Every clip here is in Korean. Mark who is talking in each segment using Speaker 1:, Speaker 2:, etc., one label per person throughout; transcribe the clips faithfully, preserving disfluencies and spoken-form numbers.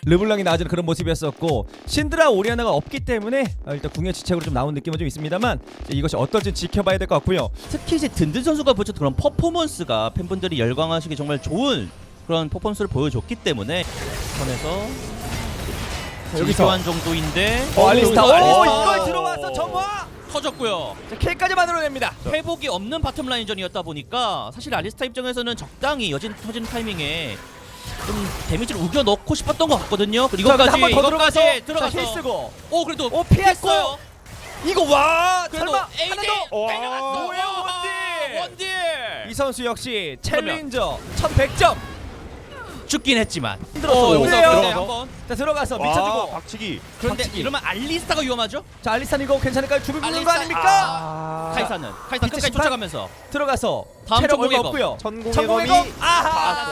Speaker 1: 르블랑이 나아지는 그런 모습이었었고 신드라 오리아나가 없기 때문에 일단 궁의 지책으로 좀 나온 느낌은 좀 있습니다만 이것이 어떨지 지켜봐야 될 것 같고요.
Speaker 2: 특히 이제 든든 선수가 보여줬던 그런 퍼포먼스가 팬분들이 열광하시기 정말 좋은 그런 퍼포먼스를 보여줬기 때문에 선에서
Speaker 1: 여기서
Speaker 2: 교환 정도인데
Speaker 1: 어, 알리스타. 오,
Speaker 2: 알리스타.
Speaker 1: 이걸 들어와서 점화.
Speaker 2: 터졌고요.
Speaker 1: 자, 킬까지 만들어냅니다.
Speaker 2: 회복이 없는 바텀 라인전이었다 보니까 사실 알리스타 입장에서는 적당히 여진 터지는 타이밍에 좀 데미지를 우겨 넣고 싶었던 것 같거든요. 그리고
Speaker 1: 자,
Speaker 2: 이것까지
Speaker 1: 한번 더
Speaker 2: 이것까지
Speaker 1: 들어가서
Speaker 2: 들어가서
Speaker 1: 자, 힐 쓰고.
Speaker 2: 오 그래도
Speaker 1: 오, 피했고.
Speaker 2: 피했어요.
Speaker 1: 이거 와
Speaker 2: 그래도
Speaker 1: 설마
Speaker 2: 에이디
Speaker 1: 하나 더.
Speaker 2: 때려갔어.
Speaker 1: 뭐예요, 원딜.
Speaker 2: 원딜.
Speaker 1: 이 선수 역시
Speaker 2: 그러면.
Speaker 1: 챌린저 천백 점.
Speaker 2: 죽긴 했지만
Speaker 1: 힘들었어.
Speaker 2: 어, 여기서
Speaker 1: 그래요.
Speaker 2: 근데 한번
Speaker 1: 자 들어가서
Speaker 3: 와,
Speaker 1: 미쳐주고.
Speaker 3: 박치기.
Speaker 2: 그런데
Speaker 1: 박치기.
Speaker 2: 이러면 알리스타가 위험하죠?
Speaker 1: 자 알리산 이거 괜찮을까요? 죽을 부는 거
Speaker 2: 알리스타-
Speaker 1: 아닙니까?
Speaker 3: 아,
Speaker 2: 카이사는 카이사
Speaker 1: 비트
Speaker 2: 끝까지
Speaker 1: 심판?
Speaker 2: 쫓아가면서
Speaker 1: 들어가서
Speaker 2: 다음
Speaker 1: 체력 얼마
Speaker 2: 천공의 검.
Speaker 1: 없고요.
Speaker 3: 천공의
Speaker 1: 천공의
Speaker 3: 검이
Speaker 1: 검. 아하.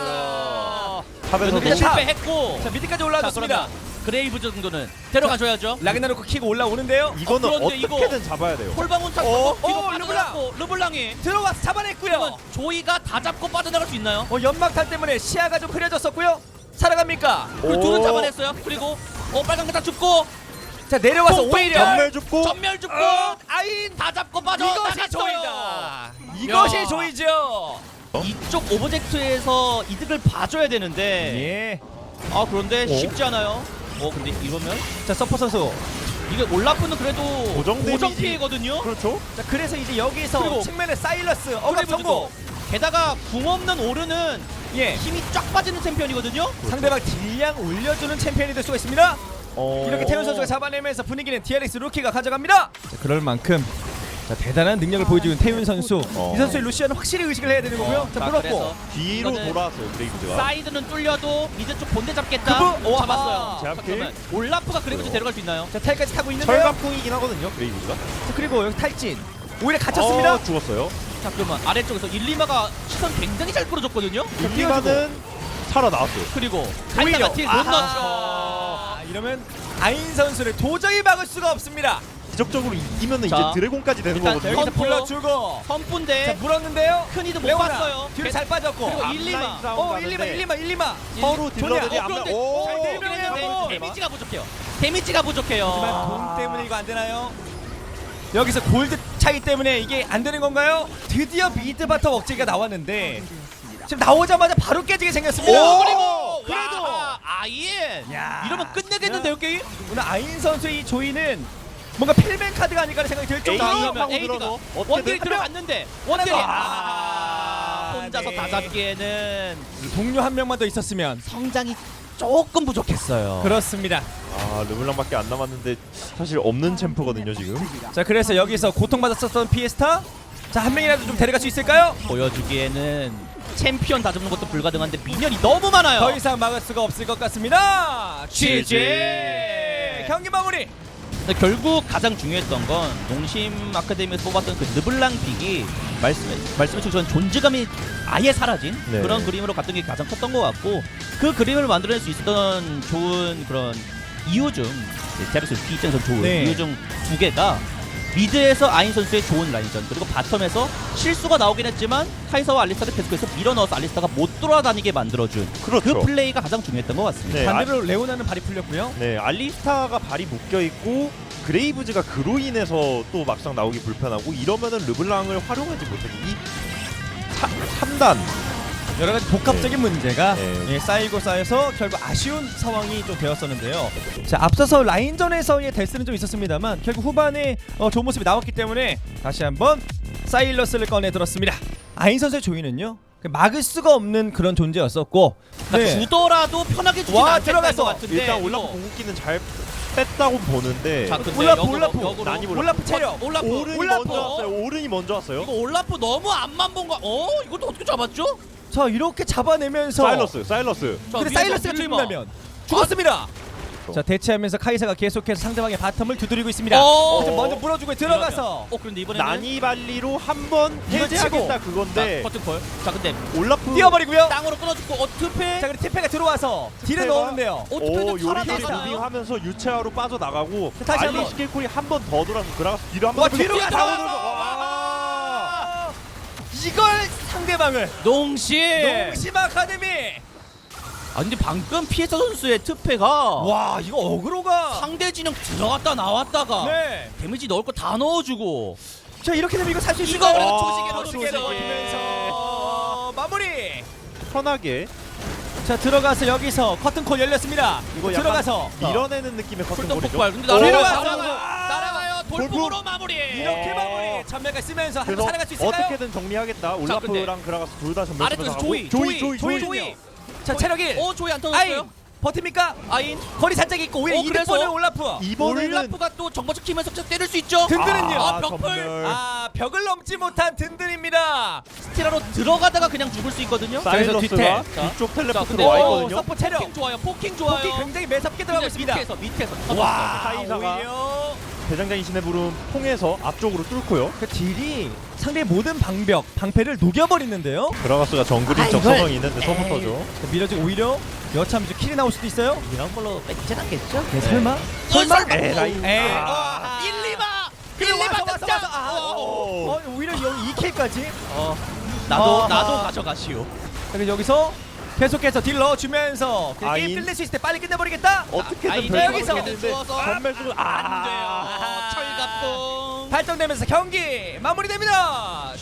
Speaker 2: 닿았어요.
Speaker 3: 탑에서도
Speaker 2: 근데
Speaker 1: 탑.
Speaker 2: 실패했고
Speaker 1: 자 미드까지
Speaker 2: 자
Speaker 1: 올라왔습니다.
Speaker 2: 그러면 그레이브 정도는 데려가줘야죠.
Speaker 1: 라그나로크 킥 올라오는데요.
Speaker 3: 이거는
Speaker 2: 어, 그런데 이거-
Speaker 3: 어떻게든 잡아야 돼요.
Speaker 2: 홀방운 탑
Speaker 1: 어,
Speaker 2: 뒤로
Speaker 1: 어,
Speaker 2: 빠져나갔고 르블랑이
Speaker 1: 들어와서 잡아냈고요.
Speaker 2: 그러면 조이가 다 잡고 빠져나갈 수 있나요?
Speaker 1: 어 연막탄 때문에 시야가 좀 흐려졌었고요. 살아갑니까?
Speaker 2: 그 둘은 잡아냈어요. 그리고 어 빨간 거다 죽고
Speaker 1: 자 내려와서
Speaker 2: 똥, 똥,
Speaker 1: 오히려
Speaker 3: 전멸 줍고
Speaker 2: 전멸 죽고
Speaker 1: 어, 아인
Speaker 2: 다 잡고 빠져
Speaker 1: 이것이
Speaker 2: 나갔어요.
Speaker 1: 조이다. 이것이
Speaker 2: 야.
Speaker 1: 조이죠.
Speaker 2: 이쪽 오브젝트에서 이득을 봐줘야 되는데
Speaker 1: 예.
Speaker 2: 아 그런데
Speaker 3: 어?
Speaker 2: 쉽지 않아요. 어 근데 이러면
Speaker 1: 자 서퍼 선수.
Speaker 2: 이게 올라프는 그래도
Speaker 3: 고정
Speaker 2: 고정
Speaker 3: 데미지.
Speaker 2: 피해거든요.
Speaker 3: 그렇죠.
Speaker 1: 자 그래서 이제 여기서
Speaker 2: 그리고
Speaker 1: 측면에 사일러스 억압
Speaker 2: 그레이브즈도.
Speaker 1: 성공.
Speaker 2: 게다가 궁 없는 오르는
Speaker 1: 예.
Speaker 2: 힘이 쫙 빠지는 챔피언이거든요.
Speaker 1: 상대방 딜량 올려주는 챔피언이 될 수가 있습니다.
Speaker 3: 어...
Speaker 1: 이렇게 태훈 선수가 잡아내면서 분위기는 디알엑스 루키가 가져갑니다. 자, 그럴 만큼 자, 대단한 능력을 보여주는 태훈 선수.
Speaker 3: 어.
Speaker 1: 이 선수의 루시안은 확실히 의식을 해야 되는 거고요. 자
Speaker 2: 자,
Speaker 1: 물었고.
Speaker 2: 그래서
Speaker 3: 뒤로
Speaker 2: 이거는
Speaker 3: 돌아왔어요 그레이브즈가.
Speaker 2: 사이드는 뚫려도 미드 쪽 본대 잡겠다.
Speaker 1: 그분?
Speaker 2: 오,
Speaker 1: 와.
Speaker 2: 잡았어요.
Speaker 3: 제압킬.
Speaker 2: 잠깐만. 올라프가 그레이브즈 데려갈 수 있나요?
Speaker 1: 자 탈까지 타고 있는데요.
Speaker 3: 철갑풍이긴 하거든요 그레이브즈가.
Speaker 1: 자, 그리고 여기 탈진. 오히려 갇혔습니다.
Speaker 3: 어, 죽었어요.
Speaker 2: 자 그러면 아래쪽에서 일리마가 시선 굉장히 잘 끌어줬거든요.
Speaker 3: 일리마는 살아나왔어요.
Speaker 2: 그리고
Speaker 1: 오히려.
Speaker 2: 갈다가 딜못 넣죠.
Speaker 1: 아, 이러면 아인 선수를 도저히 막을 수가 없습니다.
Speaker 3: 기적적으로 이기면은
Speaker 2: 자,
Speaker 3: 이제 드래곤까지 되는
Speaker 2: 일단
Speaker 3: 거거든요.
Speaker 1: 여기서
Speaker 2: 펌프.
Speaker 1: 불러주고. 자
Speaker 2: 선분대
Speaker 1: 물었는데요.
Speaker 2: 큰 이득 못
Speaker 1: 레오나
Speaker 2: 봤어요.
Speaker 1: 뒤로 잘 빠졌고.
Speaker 2: 그리고
Speaker 3: 앞라인
Speaker 2: 일리마.
Speaker 3: 싸움
Speaker 1: 어
Speaker 3: 가는데
Speaker 1: 일리마 일리마 일리마.
Speaker 3: 서로
Speaker 1: 조냐.
Speaker 3: 딜러들이
Speaker 2: 어,
Speaker 3: 앞나.
Speaker 2: 그런데
Speaker 3: 오.
Speaker 1: 잘
Speaker 2: 네,
Speaker 1: 대명해요.
Speaker 2: 데미지가 부족해요. 데미지가
Speaker 1: 하지만
Speaker 2: 부족해요.
Speaker 1: 돈 때문에 이거 안 되나요? 여기서 골드 차이 때문에 이게 안 되는 건가요? 드디어 미드 바텀 억제기가 나왔는데 지금 나오자마자 바로 깨지게 생겼습니다.
Speaker 3: 오!
Speaker 2: 그리고
Speaker 1: 그래도!
Speaker 2: 와, 아인
Speaker 1: 야.
Speaker 2: 이러면 끝내겠는데요 게임?
Speaker 1: 오늘 아인 선수의 이 조이는 뭔가 필맨 카드가 아닐까 생각이 들
Speaker 3: 에이,
Speaker 1: 정도로
Speaker 3: 하고
Speaker 2: 그러면 에이디가
Speaker 3: 들어서 어떻게든
Speaker 2: 원딜이 들어갔는데 원딜이
Speaker 1: 하나 더.
Speaker 2: 아,
Speaker 1: 아,
Speaker 2: 혼자서
Speaker 1: 네.
Speaker 2: 다 잡기에는
Speaker 1: 동료 한 명만 더 있었으면
Speaker 2: 성장이 조금 부족했어요.
Speaker 1: 그렇습니다.
Speaker 3: 아 르블랑밖에 안 남았는데 사실 없는 챔프거든요 지금.
Speaker 1: 자 그래서 여기서 고통받았었던 피에스타 자 한 명이라도 좀 데려갈 수 있을까요?
Speaker 2: 보여주기에는 챔피언 다 잡는 것도 불가능한데 미니언이 너무 많아요.
Speaker 1: 더 이상 막을 수가 없을 것 같습니다.
Speaker 2: 지지!
Speaker 1: 지지! 경기 마무리.
Speaker 2: 근데 결국 가장 중요했던 건 농심 아카데미에서 뽑았던 그 르블랑 픽이 말씀해 말씀해 주신 존재감이 아예 사라진
Speaker 3: 네.
Speaker 2: 그런 그림으로 갔던 게 가장 컸던 것 같고 그 그림을 만들어낼 수 있었던 좋은 그런 이유 중 제르스 피 입장에서 좋은
Speaker 1: 네.
Speaker 2: 이유 중 두 개가 미드에서 아인 선수의 좋은 라인전 그리고 바텀에서 실수가 나오긴 했지만 카이사와 알리스타를 계속해서 밀어넣어서 알리스타가 못 돌아다니게 만들어준
Speaker 3: 그렇죠.
Speaker 2: 그 플레이가 가장 중요했던 것 같습니다.
Speaker 3: 네,
Speaker 1: 반대로 레오나는 발이 풀렸고요.
Speaker 3: 네 알리스타가 발이 묶여 있고 그레이브즈가 그로 인해서 또 막상 나오기 불편하고 이러면은 르블랑을 활용하지 못하기 이 삼 단
Speaker 1: 여러 가지 복합적인 문제가
Speaker 3: 네.
Speaker 1: 예, 쌓이고 쌓여서 결국 아쉬운 상황이 좀 되었었는데요. 자 앞서서 라인전에서의 데스는 좀 있었습니다만 결국 후반에 어, 좋은 모습이 나왔기 때문에 다시 한번 사일러스를 꺼내 들었습니다. 아인 선수의 조이는요 막을 수가 없는 그런 존재였었고
Speaker 2: 그러니까 주더라도 편하게 주지
Speaker 1: 와,
Speaker 2: 않겠다는
Speaker 1: 들어가서
Speaker 2: 것 같은데
Speaker 3: 일단
Speaker 2: 이거-
Speaker 3: 올라프 공격기는 잘 뺐다고 보는데
Speaker 2: 자, 근데
Speaker 1: 올라프
Speaker 2: 역으로,
Speaker 1: 올라프
Speaker 2: 역으로.
Speaker 3: 많이 올라프.
Speaker 1: 올라프 체력
Speaker 2: 올라프
Speaker 3: 오른이
Speaker 1: 올라프.
Speaker 3: 먼저 왔어요. 오른이 먼저 왔어요.
Speaker 2: 이거 올라프 너무 앞만 본 거. 어? 이것도 어떻게 잡았죠?
Speaker 1: 자 이렇게 잡아내면서
Speaker 3: 사일러스 사일러스
Speaker 2: 자,
Speaker 1: 근데
Speaker 2: 위에서
Speaker 1: 사일러스가
Speaker 2: 밀리마.
Speaker 1: 죽는다면 죽었습니다.
Speaker 3: 어.
Speaker 1: 자 대체하면서 카이사가 계속해서 상대방의 바텀을 두드리고 있습니다.
Speaker 2: 어.
Speaker 1: 그래서 먼저 물어주고 들어가서
Speaker 2: 어 그런데 이번에는
Speaker 3: 나니발리로 한번
Speaker 1: 이거
Speaker 3: 해제하겠다
Speaker 1: 치고.
Speaker 3: 그건데
Speaker 2: 버튼콜. 자 근데
Speaker 3: 올라프
Speaker 1: 뛰어버리고요.
Speaker 2: 땅으로 끊어주고 어 투패.
Speaker 1: 자 그리고 티페가 들어와서 딜을
Speaker 3: 티페가-
Speaker 1: 넣었는데요.
Speaker 2: 어
Speaker 3: 오
Speaker 2: 투패도
Speaker 3: 요리게
Speaker 2: 살아나가요.
Speaker 3: 무빙하면서 유채화로 빠져나가고
Speaker 1: 자, 다시
Speaker 3: 알리
Speaker 1: 한번.
Speaker 3: 스킬콜이 한 번 더 돌아서 그라가스 뒤로
Speaker 1: 와
Speaker 3: 한번
Speaker 1: 뒤로
Speaker 2: 뛰어
Speaker 1: 가서
Speaker 2: 들어가서.
Speaker 1: 이걸 상대방을
Speaker 2: 농심.
Speaker 1: 농심 아카데미
Speaker 2: 아 근데 방금 피에서 선수의 특패가
Speaker 1: 와 이거 어그로가
Speaker 2: 상대 진영 들어갔다 나왔다가
Speaker 1: 네.
Speaker 2: 데미지 넣을 거 다 넣어주고
Speaker 1: 자 이렇게 되면 이거 살 수
Speaker 2: 이거
Speaker 1: 있을까요?
Speaker 2: 그래도
Speaker 1: 아,
Speaker 2: 조직에
Speaker 1: 조직에
Speaker 2: 넣어주게.
Speaker 1: 넣어주면서 마무리.
Speaker 3: 편하게
Speaker 1: 자 들어가서 여기서 커튼콜 열렸습니다.
Speaker 3: 이거 약간
Speaker 1: 들어가서
Speaker 3: 밀어내는 느낌의
Speaker 2: 풀동
Speaker 3: 커튼볼이죠.
Speaker 2: 폭발. 근데
Speaker 3: 오,
Speaker 2: 날아가요.
Speaker 1: 들어가서.
Speaker 2: 날아가요. 날아가요. 돌풍으로 마무리.
Speaker 1: 이렇게 마무리. 전멸가 쓰면서 한
Speaker 3: 그래서
Speaker 1: 살아갈 수 있을까요?
Speaker 3: 어떻게든 정리하겠다.
Speaker 2: 근데
Speaker 3: 올라프랑 그라가스 둘 다 전멸
Speaker 2: 아래쪽에서
Speaker 3: 가고.
Speaker 2: 조이,
Speaker 3: 조이,
Speaker 2: 조이,
Speaker 3: 조이,
Speaker 2: 조이.
Speaker 3: 조이.
Speaker 1: 자 체력 일.
Speaker 2: 어 조이 안
Speaker 1: 아인
Speaker 2: 터졌어요.
Speaker 1: 버팁니까?
Speaker 2: 아인.
Speaker 1: 거리 살짝 있고 오히려
Speaker 2: 어,
Speaker 1: 이득
Speaker 2: 그래서
Speaker 1: 보는 올라프.
Speaker 3: 이번에는
Speaker 2: 올라프가 또 정보적 키면서 때릴 수 있죠.
Speaker 1: 든든은요.
Speaker 2: 아, 벽풀.
Speaker 3: 전멸.
Speaker 1: 아 벽을 넘지 못한 든든입니다.
Speaker 2: 스티라로 들어가다가 그냥 죽을 수 있거든요.
Speaker 3: 사일러스가
Speaker 1: 뒤태.
Speaker 3: 뒤쪽
Speaker 2: 자,
Speaker 3: 텔레포트로
Speaker 2: 근데
Speaker 3: 와
Speaker 2: 오,
Speaker 3: 있거든요.
Speaker 1: 서포 체력.
Speaker 2: 포킹 좋아요. 포킹 좋아요.
Speaker 1: 포킹 굉장히 매섭게 들어가고 있습니다.
Speaker 2: 밑에서 밑에서.
Speaker 1: 와
Speaker 3: 카이사가
Speaker 1: 오히려
Speaker 3: 대장장이 신의 부름 통해서 앞쪽으로 뚫고요.
Speaker 1: 그 딜이 상대의 모든 방벽, 방패를 녹여버리는데요.
Speaker 3: 그라가스가 정글인
Speaker 1: 아,
Speaker 3: 적성이
Speaker 1: 이걸-
Speaker 3: 있는데 서포터죠.
Speaker 1: 자, 밀어지고 오히려 여차하면 이제 킬이 나올 수도 있어요.
Speaker 2: 이런 걸로 뺏진 않겠죠?
Speaker 1: 네, 설마?
Speaker 2: 설마?
Speaker 3: 에라이.
Speaker 1: 에이.
Speaker 3: 아.
Speaker 2: 일, 이마.
Speaker 1: 그리고
Speaker 2: 일, 이마
Speaker 1: 와서 와서
Speaker 2: 득점.
Speaker 1: 와서 아,
Speaker 3: 오.
Speaker 1: 어, 오히려 여기 이 킬까지.
Speaker 2: 어. 나도
Speaker 1: 아하.
Speaker 2: 나도 가져가시오.
Speaker 1: 그리고 여기서 계속해서 딜 넣어주면서 그냥 게임
Speaker 3: 아인.
Speaker 1: 끝낼 수 있을 때 빨리 끝내버리겠다.
Speaker 3: 어떻게든
Speaker 2: 아이들
Speaker 3: 별거
Speaker 1: 여기서
Speaker 3: 모르겠는데
Speaker 2: 주워서
Speaker 3: 전멸 수를
Speaker 2: 안 돼요.
Speaker 3: 아.
Speaker 2: 철갑봉.
Speaker 1: 발동되면서 경기 마무리됩니다.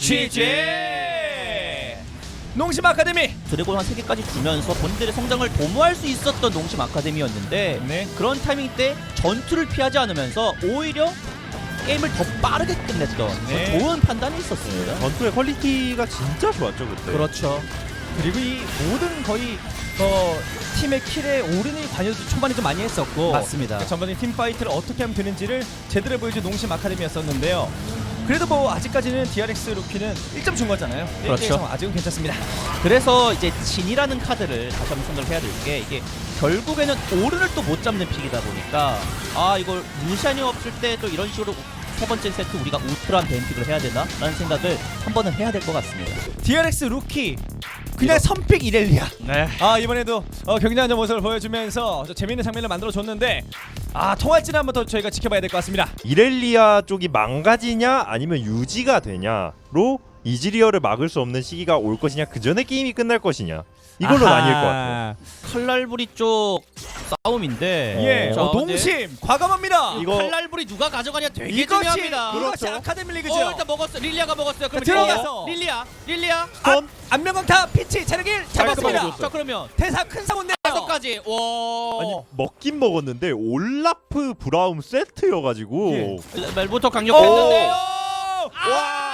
Speaker 1: 지지. 농심 아카데미.
Speaker 2: 드래곤 한 세 개까지 주면서 본인들의 성장을 도모할 수 있었던 농심 아카데미였는데
Speaker 1: 네.
Speaker 2: 그런 타이밍 때 전투를 피하지 않으면서 오히려 게임을 더 빠르게 끝냈던
Speaker 1: 네.
Speaker 2: 좋은 판단이 있었습니다.
Speaker 3: 전투의 퀄리티가 진짜 좋았죠 그때.
Speaker 2: 그렇죠.
Speaker 1: 그리고 이 모든 거의 어, 팀의 킬에 오른의 관여도 초반에 좀 많이 했었고
Speaker 2: 맞습니다.
Speaker 1: 그러니까 전반적인 팀 파이트를 어떻게 하면 되는지를 제대로 보여준 농심 아카데미였었는데요. 그래도 뭐 아직까지는 디알엑스 루키는 일 점 준 거잖아요.
Speaker 2: 그렇죠.
Speaker 1: 일 대 일 상황 아직은 괜찮습니다.
Speaker 2: 그래서 이제 진이라는 카드를 다시 한번 생각을 해야 될 게 이게 결국에는 오른을 또 못 잡는 픽이다 보니까 아 이걸 루시안이 없을 때 또 이런 식으로 세 번째 세트 우리가 우트란 벤픽을 해야 되나? 라는 생각을 한 번은 해야 될 것 같습니다.
Speaker 1: 디알엑스 루키 그냥 선픽 이렐리아.
Speaker 2: 네.
Speaker 1: 아 이번에도 어, 굉장한 모습을 보여주면서 저 재밌는 장면을 만들어 줬는데 아 통할지는 한번 더 저희가 지켜봐야 될 것 같습니다.
Speaker 3: 이렐리아 쪽이 망가지냐 아니면 유지가 되냐로 이즈리얼을 막을 수 없는 시기가 올 것이냐 그 전에 게임이 끝날 것이냐 이걸로
Speaker 1: 아하.
Speaker 3: 나뉠 것 같아요.
Speaker 2: 칼날부리 쪽 싸움인데
Speaker 1: 예,
Speaker 2: 자,
Speaker 1: 어,
Speaker 2: 근데
Speaker 1: 농심 과감합니다.
Speaker 3: 이거-
Speaker 2: 칼날부리 누가 가져가냐 되게
Speaker 1: 이것이
Speaker 2: 중요합니다.
Speaker 1: 이것이
Speaker 3: 그렇죠.
Speaker 1: 아카데미 리그죠.
Speaker 2: 어, 일단 먹었어. 릴리아가 먹었어요. 그럼
Speaker 1: 들어가서.
Speaker 2: 릴리아, 릴리아.
Speaker 3: 스톤
Speaker 1: 안면강타 피치 체력 일 잡았습니다.
Speaker 3: 먹어줬어요.
Speaker 2: 자 그러면
Speaker 1: 대사 큰 사고인데요.
Speaker 2: 다섯 가지. 와.
Speaker 3: 아니 먹긴 먹었는데 올라프 브라움 세트여가지고
Speaker 1: 예.
Speaker 2: 말부터 강력했는데요.
Speaker 1: 와!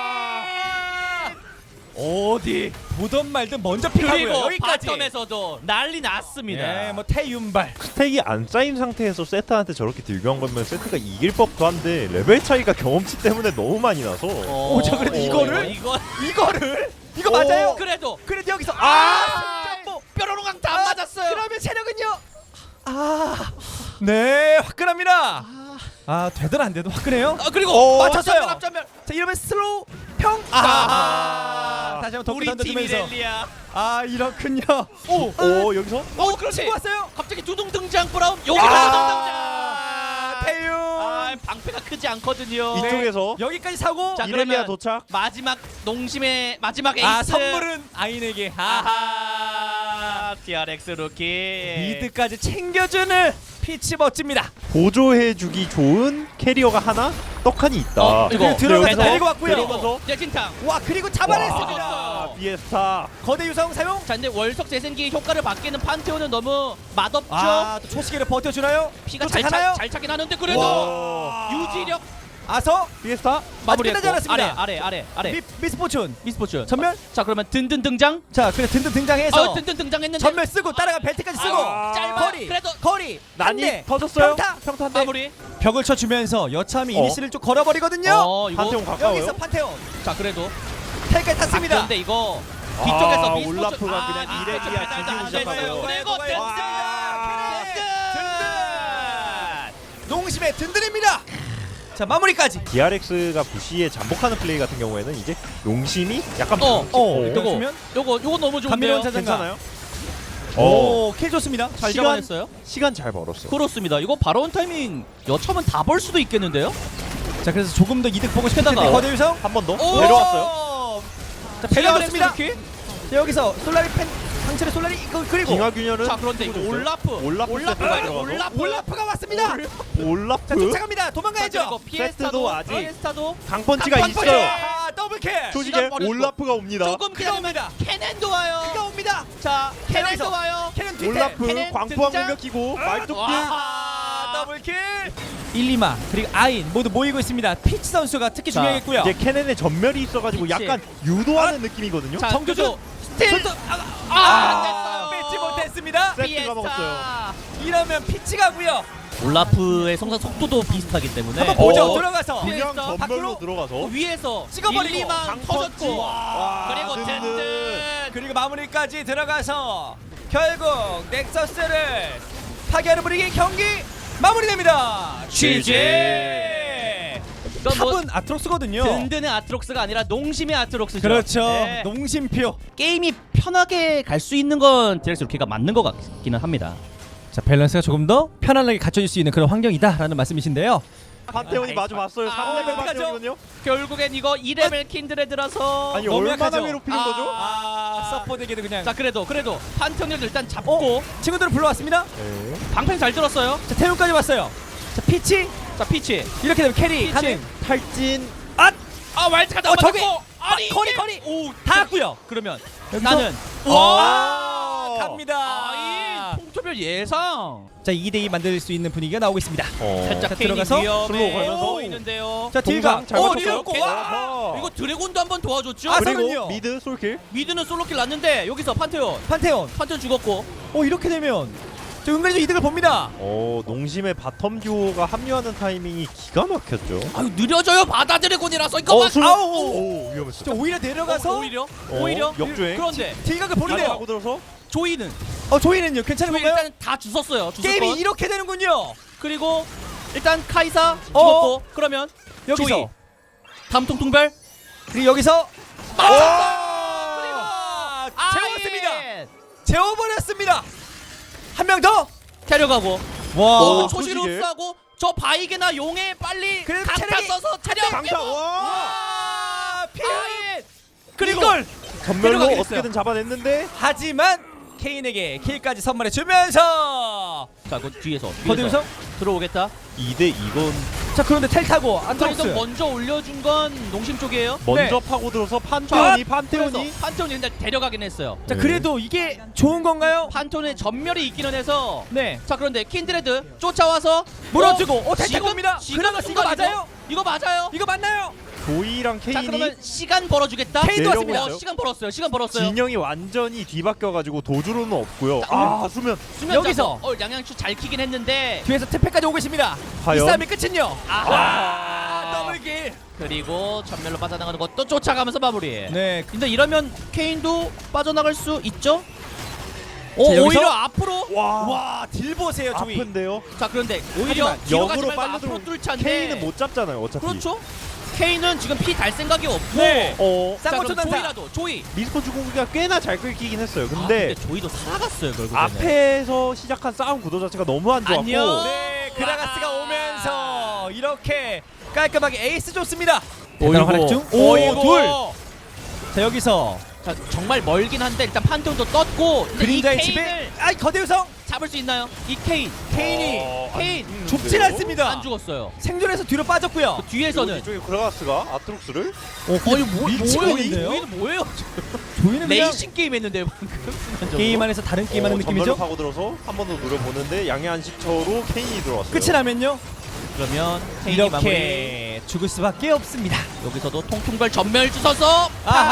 Speaker 1: 어디 보던 말든 먼저 픽하고요.
Speaker 2: 그리고
Speaker 1: 여기까지.
Speaker 2: 바텀에서도 난리 났습니다.
Speaker 1: 예, 뭐 태윤발.
Speaker 3: 스택이 안 쌓인 상태에서 세트한테 저렇게 딜교한 거면 세트가 이길 법도 한데 레벨 차이가 경험치 때문에 너무 많이 나서
Speaker 2: 어,
Speaker 1: 오, 자, 그래도
Speaker 2: 어,
Speaker 1: 이거를?
Speaker 2: 이거
Speaker 1: 이거를 이거
Speaker 3: 오.
Speaker 1: 맞아요?
Speaker 2: 그래도
Speaker 1: 그래도 여기서
Speaker 2: 아,
Speaker 1: 아, 뭐
Speaker 2: 뾰로롱강 다 안 맞았어요.
Speaker 1: 그러면 체력은요? 아, 네 화끈합니다. 아 되든 안 돼도 화끈해요.
Speaker 2: 어, 그리고
Speaker 1: 오,
Speaker 2: 맞췄어요.
Speaker 1: 맞췄어요.
Speaker 2: 앞전면.
Speaker 1: 자 이러면 슬로우 평. 아,
Speaker 2: 아,
Speaker 1: 다시 한번
Speaker 2: 우리
Speaker 1: 덕분
Speaker 2: 팀
Speaker 1: 던져주면서.
Speaker 2: 이렐리아.
Speaker 1: 아 이렇군요. 오,
Speaker 3: 오 여기서
Speaker 1: 오 그렇지. 친구 왔어요.
Speaker 2: 갑자기 두둥 등장 브라움. 여기서
Speaker 1: 아,
Speaker 2: 두둥 등장.
Speaker 1: 태윤.
Speaker 2: 아, 방패가 크지 않거든요.
Speaker 1: 네.
Speaker 3: 이쪽에서
Speaker 1: 여기까지 사고.
Speaker 2: 자,
Speaker 3: 이렐리아
Speaker 2: 그러면
Speaker 3: 도착.
Speaker 2: 마지막 농심의 마지막 에이스.
Speaker 1: 아 선물은 아인에게. 아하.
Speaker 2: 아하. 티알엑스 루키.
Speaker 1: 미드까지 챙겨주는 피치 멋집니다.
Speaker 3: 보조해주기 좋은 캐리어가 하나 떡하니 있다.
Speaker 2: 어, 이거
Speaker 1: 그리고 들어가서
Speaker 3: 여기서
Speaker 1: 데리고 왔고요.
Speaker 3: 데리고서
Speaker 2: 재진탕.
Speaker 1: 와 그리고
Speaker 3: 와,
Speaker 1: 잡아냈습니다.
Speaker 3: 비에스타.
Speaker 1: 거대 유성 사용.
Speaker 2: 자, 근데 월석 재생기 효과를 받기는 판테온은 너무 맛없죠.
Speaker 1: 아또 초시계를 버텨주나요?
Speaker 2: 피가 잘,
Speaker 1: 쫓아가나요?
Speaker 2: 차, 잘 차긴 하는데 그래도
Speaker 3: 와.
Speaker 2: 유지력
Speaker 1: 아서
Speaker 3: 비에스타.
Speaker 2: 마무리했고
Speaker 1: 끝나지 않았습니다.
Speaker 2: 아래 아래 아래 아래
Speaker 1: 미, 미스포춘
Speaker 2: 미스포츠
Speaker 1: 전멸.
Speaker 2: 자 그러면 든든 등장.
Speaker 1: 자 그래 든든 등장해서
Speaker 2: 어 든든 등장했는데
Speaker 1: 전멸 쓰고 따라가 벨트까지 쓰고
Speaker 3: 아,
Speaker 2: 짧아.
Speaker 1: 거리
Speaker 2: 그래도
Speaker 1: 거리
Speaker 3: 난이
Speaker 1: 한 대,
Speaker 3: 터졌어요.
Speaker 1: 평타
Speaker 3: 평타인데.
Speaker 2: 마무리.
Speaker 1: 벽을 쳐주면서 여차하면
Speaker 3: 어.
Speaker 1: 이니시를 좀 걸어버리거든요.
Speaker 2: 어 이거
Speaker 3: 판테온 가까워요.
Speaker 1: 여기서 판테온
Speaker 2: 자 그래도
Speaker 1: 텔까지
Speaker 2: 아,
Speaker 1: 탔습니다.
Speaker 2: 그런데 이거 뒤쪽에서
Speaker 3: 아,
Speaker 2: 미스포츠
Speaker 3: 올라프가 그냥 이레디아 뒤지고 시작하고요.
Speaker 2: 그리고
Speaker 1: 와,
Speaker 2: 든든
Speaker 1: 든든 농심의 든든입니다. 자 마무리까지.
Speaker 3: 디알엑스가 부시에 잠복하는 플레이 같은 경우에는 이제 용심이 약간
Speaker 2: 어,
Speaker 1: 어,
Speaker 3: 어,
Speaker 1: 이거
Speaker 2: 요거
Speaker 1: 주면
Speaker 2: 요거 요거 너무
Speaker 1: 감미로운
Speaker 2: 좋은데요.
Speaker 1: 자장가.
Speaker 3: 괜찮아요? 어,
Speaker 1: 오킬 좋습니다.
Speaker 2: 잘
Speaker 3: 시간-
Speaker 2: 잡아냈어요.
Speaker 3: 시간 잘 벌었어.
Speaker 2: 그렇습니다. 이거 바로 온 타이밍 여차면 다 벌 수도 있겠는데요.
Speaker 1: 자 그래서 조금 더 이득 보고 싶을 텐데
Speaker 2: 게다가-
Speaker 1: 거대 유성
Speaker 3: 한 번 더
Speaker 2: 오!
Speaker 3: 내려왔어요.
Speaker 1: 자 배려됐습니다.
Speaker 2: 이렇게?
Speaker 1: 자, 여기서 솔라리 펜 상체를 솔라리 이거 그리고
Speaker 3: 빙하균열은
Speaker 2: 자 그런데 이거 올라프
Speaker 3: 올라프
Speaker 2: 올라프가
Speaker 3: 세트가
Speaker 2: 있어.
Speaker 3: 들어가서?
Speaker 2: 올라프
Speaker 1: 올라프가 왔습니다.
Speaker 3: 올라프
Speaker 1: 자 쫓아갑니다.
Speaker 2: 자,
Speaker 1: 도망가야죠.
Speaker 2: 그리고 피에스타도
Speaker 3: 세트도 아직
Speaker 2: 피에스타도
Speaker 3: 강펀치가
Speaker 2: 강펀치!
Speaker 3: 있어요.
Speaker 1: 아, 더블킬.
Speaker 3: 조직에
Speaker 2: 시간 버리고.
Speaker 3: 올라프가 옵니다.
Speaker 2: 조금
Speaker 1: 그가
Speaker 2: 기다리면
Speaker 1: 옵니다.
Speaker 2: 캐넨도 와요.
Speaker 1: 그가 옵니다.
Speaker 2: 자
Speaker 1: 캐넨에서.
Speaker 2: 캐넨도 와요.
Speaker 1: 캐는 뒤태.
Speaker 3: 올라프
Speaker 2: 캐넨
Speaker 3: 광포항
Speaker 2: 등장.
Speaker 3: 공격 끼고 말뚝
Speaker 1: 아, 더블킬. 일리마 그리고 아인 모두 모이고 있습니다. 피치 선수가 특히
Speaker 2: 자,
Speaker 1: 중요하겠고요.
Speaker 3: 이제 캐넨의 전멸이 있어가지고
Speaker 2: 그치.
Speaker 3: 약간 유도하는 느낌이거든요.
Speaker 2: 자
Speaker 1: 정조준
Speaker 2: 스틸
Speaker 1: 손톱 아,
Speaker 2: 아,
Speaker 1: 아,
Speaker 2: 안 됐어요.
Speaker 1: 뺏지 못했습니다.
Speaker 3: 세트가
Speaker 2: 피에스타.
Speaker 3: 먹었어요.
Speaker 1: 이러면 피치 가고요.
Speaker 2: 올라프의 성장 속도도 비슷하기 때문에
Speaker 1: 한번 보죠.
Speaker 3: 어.
Speaker 1: 들어가서
Speaker 2: 피해-
Speaker 3: 그냥
Speaker 2: 피에스타.
Speaker 3: 전멸로
Speaker 1: 밖으로?
Speaker 3: 들어가서
Speaker 2: 어, 위에서
Speaker 1: 찍어버리고
Speaker 2: 일리만
Speaker 3: 강펀치.
Speaker 2: 터졌고
Speaker 3: 와,
Speaker 2: 그리고
Speaker 3: 든든.
Speaker 2: 든든
Speaker 1: 그리고 마무리까지 들어가서 결국 넥서스를 파괴하는 분위기 경기 마무리됩니다.
Speaker 2: 지지. 이건 뭐
Speaker 1: 탑은 아트록스거든요.
Speaker 2: 든든의 아트록스가 아니라 농심의 아트록스죠.
Speaker 1: 그렇죠.
Speaker 2: 네.
Speaker 1: 농심표.
Speaker 2: 게임이 편하게 갈 수 있는 건 디렉스 루키가 맞는 것 같기는 합니다.
Speaker 1: 자 밸런스가 조금 더 편안하게 갖춰질 수 있는 그런 환경이다라는 말씀이신데요.
Speaker 3: 판테온이 마주 봤어요.
Speaker 2: 아,
Speaker 3: 삼 레벨
Speaker 1: 어떡하죠?
Speaker 3: 판테온이거든요.
Speaker 2: 결국엔 이거 이 레벨 킨드레드라서
Speaker 3: 아니
Speaker 1: 너무
Speaker 3: 얼마나
Speaker 1: 약하죠?
Speaker 3: 괴롭히는 거죠?
Speaker 1: 아 서포트에게도 그냥.
Speaker 2: 자 그래도 그래도 판테온을 일단 잡고
Speaker 1: 친구들을 불러왔습니다.
Speaker 3: 네.
Speaker 2: 방패 잘 들었어요.
Speaker 1: 자 태훈까지 왔어요. 자 피치
Speaker 2: 자 피치
Speaker 1: 이렇게 되면 캐리
Speaker 2: 피치.
Speaker 1: 가능.
Speaker 3: 탈진
Speaker 1: 아
Speaker 2: 아 와일드카드
Speaker 1: 어,
Speaker 2: 안
Speaker 1: 저기!
Speaker 2: 맞았고 아니
Speaker 1: 거리,
Speaker 2: 이게-
Speaker 1: 거리!
Speaker 2: 오
Speaker 1: 다 왔고요.
Speaker 2: 그러면
Speaker 1: 여기서?
Speaker 2: 나는
Speaker 1: 와 갑니다.
Speaker 2: 아이 통조별 예상
Speaker 1: 자 이 대 이 만들 수 있는 분위기가 나오고 있습니다.
Speaker 3: 어.
Speaker 2: 살짝
Speaker 1: 자,
Speaker 2: 케인이
Speaker 1: 들어가서
Speaker 2: 위험해
Speaker 3: 슬로우 걸면서.
Speaker 2: 보이는데요.
Speaker 1: 자 딜가
Speaker 3: 동상 잘
Speaker 1: 어
Speaker 3: 맞췄어요.
Speaker 1: 딜었고
Speaker 2: 어,
Speaker 1: 와
Speaker 2: 이거 드래곤도 한번 도와줬죠.
Speaker 1: 아,
Speaker 3: 그리고
Speaker 1: 그럼요.
Speaker 3: 미드 솔킬.
Speaker 2: 미드는 솔로킬 났는데 여기서 판테온
Speaker 1: 판테온.
Speaker 2: 판테온 죽었고
Speaker 1: 어 이렇게 되면 저 은근히 좀 이득을 봅니다.
Speaker 3: 어 농심의 바텀 듀오가 합류하는 타이밍이 기가 막혔죠.
Speaker 2: 아유 느려져요. 바다 드래곤이라서 이거
Speaker 3: 어,
Speaker 2: 막
Speaker 3: 슬로우.
Speaker 1: 아우.
Speaker 3: 오, 위험했어.
Speaker 1: 저 오히려 내려가서
Speaker 2: 어, 오히려
Speaker 3: 어,
Speaker 2: 오히려
Speaker 3: 역주행.
Speaker 2: 그런데
Speaker 1: 딜각을
Speaker 3: 바로
Speaker 1: 보는데요.
Speaker 3: 하고 들어서
Speaker 2: 조이는
Speaker 1: 어 조이는요 괜찮은
Speaker 2: 조이
Speaker 1: 건가요?
Speaker 2: 일단 다 주웠어요. 주웠건.
Speaker 1: 게임이 이렇게 되는군요.
Speaker 2: 그리고 일단 카이사
Speaker 1: 어.
Speaker 2: 죽었고 그러면
Speaker 1: 여기서
Speaker 2: 조이 다음 통통별
Speaker 1: 그리고 여기서
Speaker 2: 아!
Speaker 1: 아, 재웠습니다.
Speaker 2: 아예.
Speaker 1: 재워버렸습니다. 한 명 더.
Speaker 2: 데려가고
Speaker 1: 와.
Speaker 3: 오,
Speaker 2: 어, 초시루스하고 저 바이게나 용에 빨리
Speaker 1: 그래도
Speaker 2: 강타
Speaker 1: 체력이-
Speaker 2: 써서 차량
Speaker 3: 강타. 와.
Speaker 1: 와. 피.
Speaker 2: 아예.
Speaker 1: 그리고
Speaker 2: 이걸
Speaker 3: 전멸로
Speaker 2: 데려가긴
Speaker 3: 어떻게든 잡아냈는데
Speaker 1: 하지만 케인에게 킬까지 선물해 주면서
Speaker 2: 자, 그 뒤에서
Speaker 1: 거기서
Speaker 2: 들어오겠다.
Speaker 3: 이 대 이건
Speaker 1: 자 그런데 텔 타고 안트록스.
Speaker 2: 그래서 먼저 올려준 건 농심 쪽이에요.
Speaker 3: 먼저
Speaker 1: 네.
Speaker 3: 파고들어서 판테온이 판테온이
Speaker 2: 그래서 판테온이 일단 데려가긴 했어요.
Speaker 1: 자
Speaker 3: 네.
Speaker 1: 그래도 이게 좋은 건가요?
Speaker 2: 판테온의 전멸이 있기는 해서
Speaker 1: 네.
Speaker 2: 자 그런데 킨드레드 쫓아와서
Speaker 1: 물어주고 어 텔
Speaker 2: 지금
Speaker 1: 타고 옵니다.
Speaker 2: 지금
Speaker 1: 그라가스 이거
Speaker 2: 순간이죠?
Speaker 1: 맞아요?
Speaker 2: 이거 맞아요.
Speaker 1: 이거 맞나요?
Speaker 3: 조이랑
Speaker 2: 자
Speaker 3: 케인이
Speaker 2: 그러면 시간 벌어주겠다.
Speaker 1: 케인도
Speaker 3: 왔습니다.
Speaker 2: 어, 시간 벌었어요. 시간 벌었어요.
Speaker 3: 진영이 완전히 뒤바뀌어가지고 도주로는 없고요.
Speaker 2: 자,
Speaker 3: 아 수면
Speaker 2: 수면
Speaker 1: 여기서.
Speaker 2: 잡고, 어 양양추 잘 키긴 했는데
Speaker 1: 뒤에서 태페까지 오고 있습니다. 이
Speaker 3: 과연?
Speaker 1: 싸움의 끝은요.
Speaker 2: 아하.
Speaker 1: 아, 더블킬.
Speaker 2: 그리고 전멸로 빠져나가는 것도 쫓아가면서 마무리.
Speaker 1: 네.
Speaker 2: 근데 이러면 케인도 빠져나갈 수 있죠? 어,
Speaker 1: 자, 여기서?
Speaker 2: 오히려 앞으로.
Speaker 3: 와,
Speaker 1: 와, 딜 보세요, 조이.
Speaker 3: 아픈데요.
Speaker 2: 자 그런데 오히려
Speaker 1: 하지만
Speaker 2: 뒤로 가지
Speaker 3: 역으로
Speaker 2: 말고
Speaker 3: 빨려
Speaker 2: 앞으로
Speaker 3: 들어.
Speaker 2: 뚫자인데.
Speaker 3: 케인은 못 잡잖아요. 어차피.
Speaker 2: 그렇죠? 케인은 지금 피 달 생각이 없고.
Speaker 1: 네.
Speaker 3: 어
Speaker 2: 자
Speaker 1: 쌍꺼풀
Speaker 2: 그럼
Speaker 1: 난사.
Speaker 2: 조이라도 조이.
Speaker 3: 미스폰 주공기가 꽤나 잘 끌기긴 했어요.
Speaker 2: 아,
Speaker 3: 근데,
Speaker 2: 근데 조이도 살아갔어요 결국에는.
Speaker 3: 앞에서 시작한 싸움 구도 자체가 너무 안 좋았고
Speaker 2: 안녕.
Speaker 1: 네, 그라가스가 오면서 이렇게 깔끔하게 에이스 좋습니다.
Speaker 2: 어이구.
Speaker 1: 대단한 활약 중.
Speaker 2: 어이구.
Speaker 1: 오, 둘. 자, 여기서
Speaker 2: 자 정말 멀긴 한데 일단 판테온도 떴고. 근데 이
Speaker 1: 그림자의
Speaker 2: 케인을
Speaker 1: 집에 아, 거대우성
Speaker 2: 잡을 수 있나요? 이 케인.
Speaker 1: 케인이
Speaker 3: 어, 안
Speaker 2: 케인
Speaker 3: 죽는데요?
Speaker 1: 좁진 않습니다.
Speaker 2: 안 죽었어요.
Speaker 1: 생존해서 뒤로 빠졌고요.
Speaker 2: 그 뒤에서는
Speaker 3: 이쪽에 그라가스가 아트록스를
Speaker 1: 어,
Speaker 2: 아니 뭐
Speaker 1: 미치고
Speaker 2: 뭐예요?
Speaker 1: 있는데요?
Speaker 2: 조이는 뭐예요?
Speaker 1: 조이는 그냥
Speaker 2: 레이싱 게임 했는데 방금 순간적으로.
Speaker 1: 게임 안에서 다른 게임하는
Speaker 3: 어,
Speaker 1: 느낌이죠.
Speaker 3: 전멸을 파고들어서 한 번 더 노려보는데 양의 안식처로 케인이 들어왔어요.
Speaker 1: 끝이 나면요.
Speaker 2: 그러면 케인이 마무리.
Speaker 1: 이렇게 죽을 수밖에 없습니다.
Speaker 2: 여기서도 통통별 전멸 주셔서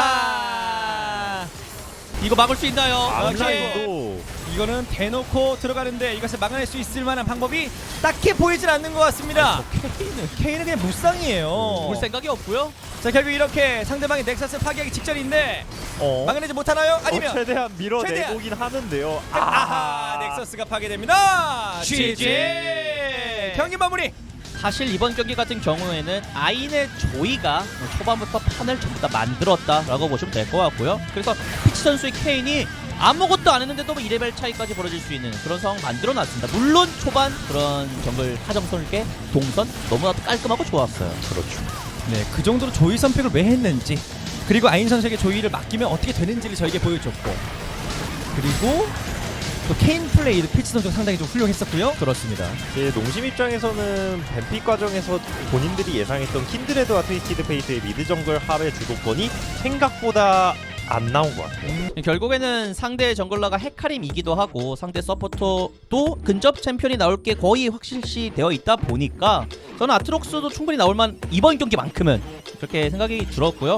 Speaker 1: 아하.
Speaker 2: 이거 막을 수 있나요?
Speaker 3: 아,
Speaker 2: 오케이.
Speaker 3: 온라인도
Speaker 1: 이거는 대놓고 들어가는데 이것을 막아낼 수 있을 만한 방법이 딱히 보이진 않는 것 같습니다. 케인은 케인은 그냥 무쌍이에요.
Speaker 2: 볼 생각이 없고요.
Speaker 1: 자 결국 이렇게 상대방의 넥서스를 파괴하기 직전인데
Speaker 3: 어,
Speaker 1: 막아내지 못하나요? 아니면
Speaker 3: 어, 최대한 밀어내고긴
Speaker 1: 최대한.
Speaker 3: 하는데요.
Speaker 1: 아하 넥서스가 파괴됩니다.
Speaker 2: 지지.
Speaker 1: 경기 마무리.
Speaker 2: 사실 이번 경기 같은 경우에는 아인의 조이가 초반부터 판을 전부 다 만들었다라고 보시면 될 것 같고요. 그래서 피치 선수의 케인이 아무것도 안 했는데도 뭐 이 레벨 차이까지 벌어질 수 있는 그런 상황 만들어놨습니다. 물론 초반 그런 정글 하정설계 동선 너무나도 깔끔하고 좋았어요.
Speaker 3: 그렇죠.
Speaker 1: 네, 그 정도로 조이 선택을 왜 했는지 그리고 아인 선수에게 조이를 맡기면 어떻게 되는지를 저에게 보여줬고 그리고 또 케인 플레이도 피치 선수가 상당히 좀 훌륭했었고요.
Speaker 2: 그렇습니다.
Speaker 3: 제 농심 입장에서는 뱀픽 과정에서 본인들이 예상했던 킨드레드와 트위스티드 페이트의 미드 정글 합의 주도권이 생각보다 안 나온 것 같아요.
Speaker 2: 결국에는 상대 정글러가 헤카림이기도 하고 상대 서포터도 근접 챔피언이 나올 게 거의 확실시 되어 있다 보니까 저는 아트록스도 충분히 나올만 이번 경기만큼은 그렇게 생각이 들었고요.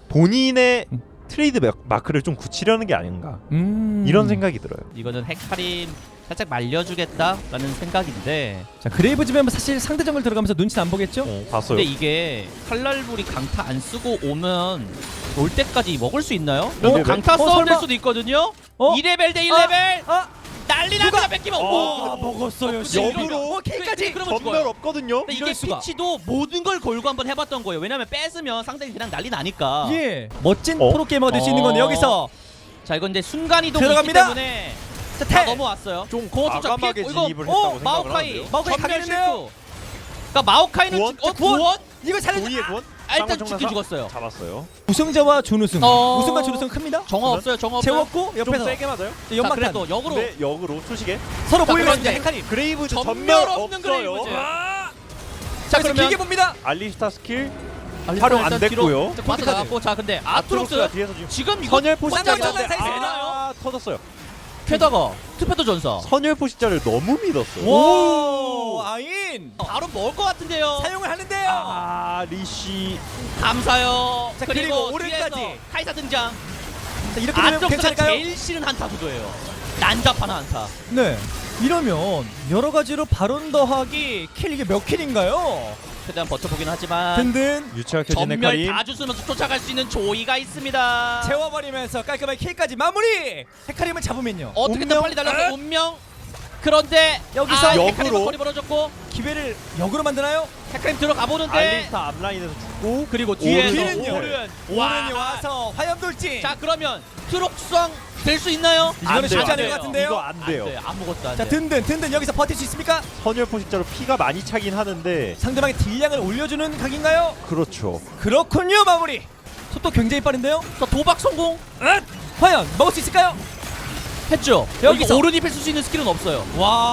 Speaker 3: 본인의 트레이드 마- 마크를 좀 굳히려는 게 아닌가
Speaker 1: 음.
Speaker 3: 이런 생각이 들어요.
Speaker 2: 이거는 헤카림 살짝 말려주겠다라는 생각인데
Speaker 1: 자 그레이브 집에 사실 상대 정글 들어가면서 눈치 안 보겠죠?
Speaker 3: 어, 봤어요.
Speaker 2: 근데 이게 칼날불이 강타 안 쓰고 오면 올 때까지 먹을 수 있나요?
Speaker 3: 어?
Speaker 2: 어? 강타
Speaker 1: 어,
Speaker 2: 싸움 될
Speaker 1: 설마?
Speaker 2: 수도 있거든요?
Speaker 1: 어?
Speaker 2: 이 레벨 대 일 레벨
Speaker 1: 아,
Speaker 2: 난리 납니다 뺏기면
Speaker 3: 어,
Speaker 2: 오!
Speaker 1: 아 먹었어요.
Speaker 2: 근데
Speaker 1: 씨.
Speaker 3: 역으로?
Speaker 2: 이러면-
Speaker 1: 어, K까지.
Speaker 2: 그러면
Speaker 3: 전멸
Speaker 2: 죽어요.
Speaker 3: 없거든요.
Speaker 2: 근데 이게
Speaker 1: 이럴 수가.
Speaker 2: 피치도 모든 걸 걸고 한번 해봤던 거예요. 왜냐면 뺏으면 상대가 그냥 난리 나니까.
Speaker 1: 예, 멋진
Speaker 3: 어?
Speaker 1: 프로게이머가 될 수 있는 건데
Speaker 2: 어.
Speaker 1: 여기서
Speaker 2: 자 이건 이제 순간 이동이 있기
Speaker 1: 들어갑니다.
Speaker 2: 때문에
Speaker 1: 자
Speaker 2: 다
Speaker 1: 태.
Speaker 2: 넘어왔어요.
Speaker 3: 좀
Speaker 2: 공허 투척
Speaker 3: 과감하게
Speaker 2: 피했고, 이거
Speaker 3: 진입을
Speaker 2: 어,
Speaker 3: 했다고 생각을
Speaker 2: 마오카이
Speaker 3: 하는데요.
Speaker 1: 마오카이
Speaker 2: 전멸
Speaker 1: 가겠는데요?
Speaker 2: 실수. 그러니까 마오카이는
Speaker 3: 구원?
Speaker 2: 지- 어
Speaker 1: 구원?
Speaker 2: 구원?
Speaker 1: 이거 살려.
Speaker 3: 도이의 권?
Speaker 2: 아, 일단
Speaker 3: 쌍문
Speaker 2: 죽긴
Speaker 3: 청나사?
Speaker 2: 죽었어요.
Speaker 3: 잡았어요.
Speaker 1: 우승자와 준우승.
Speaker 2: 어.
Speaker 1: 우승과 준우승 큽니다.
Speaker 2: 정화 없어요. 정화 없어요.
Speaker 1: 재웠고
Speaker 3: 좀
Speaker 1: 옆에서
Speaker 3: 세게 맞아요.
Speaker 1: 자,
Speaker 2: 자,
Speaker 1: 연막탄.
Speaker 2: 그래도 역으로
Speaker 3: 근데 역으로 초시계.
Speaker 1: 서로
Speaker 2: 자,
Speaker 1: 모이면서
Speaker 2: 그런데
Speaker 1: 헤카림.
Speaker 3: 그레이브즈
Speaker 2: 전멸
Speaker 3: 전멸
Speaker 2: 없는
Speaker 3: 없어요.
Speaker 2: 그레이브즈.
Speaker 1: 자
Speaker 2: 자,
Speaker 1: 그래서
Speaker 2: 그러면-
Speaker 1: 길게 봅니다.
Speaker 3: 알리스타 스킬
Speaker 2: 알리스타
Speaker 3: 활용 안
Speaker 2: 일단 뒤로
Speaker 3: 됐고요.
Speaker 2: 자, 빠져 나갔고 자 근데
Speaker 3: 아트록스가
Speaker 2: 아트록스
Speaker 3: 뒤에서 지금
Speaker 2: 지금 이거
Speaker 3: 선열 포시자를
Speaker 1: 쌍문
Speaker 3: 했는데
Speaker 1: 청나사
Speaker 2: 되나요?
Speaker 3: 아 터졌어요.
Speaker 2: 게다가 투패도 전사
Speaker 3: 선열 포시자를 너무 믿었어요.
Speaker 1: 오, 아인
Speaker 2: 바로 먹을 것 같은데요.
Speaker 1: 사용을 하는데요.
Speaker 3: 아 리시
Speaker 2: 감사요.
Speaker 1: 자,
Speaker 2: 그리고,
Speaker 1: 그리고 오른까지.
Speaker 2: 뒤에서 카이사 등장.
Speaker 1: 자, 이렇게 되면
Speaker 2: 아트록스가
Speaker 1: 괜찮을까요?
Speaker 2: 제일 싫은 한타 구도예요. 난잡한 한타.
Speaker 1: 네. 이러면 여러 가지로 바론 더하기 킬 이게 몇 킬인가요?
Speaker 2: 최대한 버텨보긴 하지만
Speaker 1: 든든
Speaker 3: 유치하게 진
Speaker 2: 전멸
Speaker 3: 헤카림.
Speaker 2: 다 주스면서 쫓아갈 수 있는 조이가 있습니다.
Speaker 1: 재워버리면서 깔끔하게 킬까지 마무리. 헤카림을 잡으면요.
Speaker 2: 어떻게든
Speaker 3: 운명?
Speaker 2: 빨리 달려서 운명. 그런데
Speaker 1: 여기서
Speaker 2: 아,
Speaker 3: 역으로.
Speaker 2: 헤카림은 거리 벌어졌고
Speaker 1: 기회를 역으로 만드나요?
Speaker 2: 헤카림 들어가 보는데
Speaker 3: 알리스타 앞라인에서 죽고
Speaker 2: 그리고 뒤에서
Speaker 1: 뒤는요.
Speaker 2: 오른
Speaker 1: 오른이 와서 화염돌진.
Speaker 2: 자 그러면 트록수왕 될 수 있나요?
Speaker 1: 이거는
Speaker 3: 안
Speaker 1: 쉽지
Speaker 3: 돼요.
Speaker 1: 않을 것 같은데요.
Speaker 3: 이거 안 돼요.
Speaker 2: 안 돼요. 아무것도 안
Speaker 1: 자
Speaker 2: 돼요.
Speaker 1: 든든 든든 여기서 버틸 수 있습니까?
Speaker 3: 선열 포시자로 피가 많이 차긴 하는데
Speaker 1: 상대방의 딜량을 올려주는 각인가요?
Speaker 3: 그렇죠.
Speaker 1: 그렇군요 마무리. 속도 굉장히 빠른데요.
Speaker 2: 자 도박 성공
Speaker 1: 응? 과연 먹을 수 있을까요?
Speaker 2: 했죠.
Speaker 1: 여기서.
Speaker 2: 여기 오른이 펼칠 수 있는 스킬은 없어요.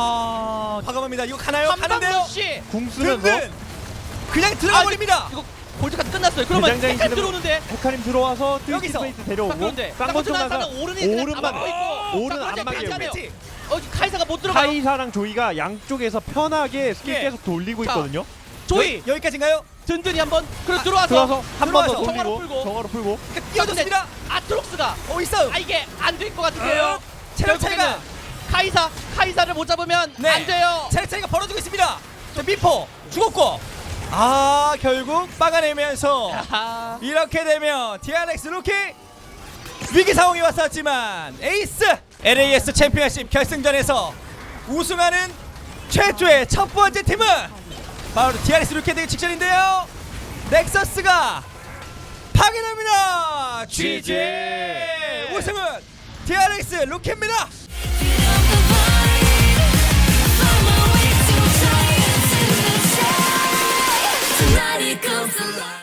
Speaker 1: 와 과감합니다. 이거 가나요? 가는데요?
Speaker 2: 한방러시
Speaker 3: 궁 쓰면서
Speaker 1: 든든 그냥 들어가 버립니다.
Speaker 2: 이거 골드까지 끝났어요. 그러면
Speaker 3: 대장장이
Speaker 2: 헤카림
Speaker 3: 지금-
Speaker 2: 들어오는데
Speaker 3: 헤카림 들어와서
Speaker 1: 여기서.
Speaker 3: 트위스티 페이트
Speaker 2: 자,
Speaker 3: 데려오고
Speaker 2: 그런데
Speaker 3: 쌍권
Speaker 2: 쌍권
Speaker 3: 청나사
Speaker 2: 나사는 오른이 그냥
Speaker 3: 오른만
Speaker 2: 다 막고 있고
Speaker 3: 오른
Speaker 2: 자,
Speaker 3: 안
Speaker 2: 그런데
Speaker 3: 막혀요.
Speaker 2: 괜찮아요.
Speaker 1: 그렇지.
Speaker 2: 어 카이사가 못 들어가요.
Speaker 3: 카이사랑 조이가 양쪽에서 편하게 스킬
Speaker 1: 예.
Speaker 3: 계속 돌리고
Speaker 2: 자,
Speaker 3: 있거든요.
Speaker 2: 조이
Speaker 1: 여, 여기까지인가요?
Speaker 2: 든든히 한번 그래
Speaker 1: 아,
Speaker 2: 들어와서
Speaker 3: 들어와서 한 번 더
Speaker 1: 들어와서
Speaker 2: 정화로
Speaker 3: 돌리고
Speaker 2: 풀고.
Speaker 3: 정화로 풀고
Speaker 1: 그러니까 뛰어줬습니다.
Speaker 2: 아트록스가
Speaker 1: 오 있어.
Speaker 2: 아 이게 안 될 것 같은데요.
Speaker 1: 어, 체력 차이가
Speaker 2: 결국에는 카이사 카이사를 못 잡으면
Speaker 1: 네.
Speaker 2: 안 돼요.
Speaker 1: 체력 차이가 벌어지고 있습니다. 자 미포 죽었고 아 결국 막아내면서
Speaker 2: 아하.
Speaker 1: 이렇게 되면 티알엑스 루키 위기 상황이 왔었지만 에이스 엘에이에스 챔피언십 결승전에서 우승하는 최초의 첫 번째 팀은 바로 티알엑스 루키에 되기 직전인데요. 넥서스가 파괴됩니다. 지지 우승은 티알엑스 루키입니다.
Speaker 4: Tonight it goes alive.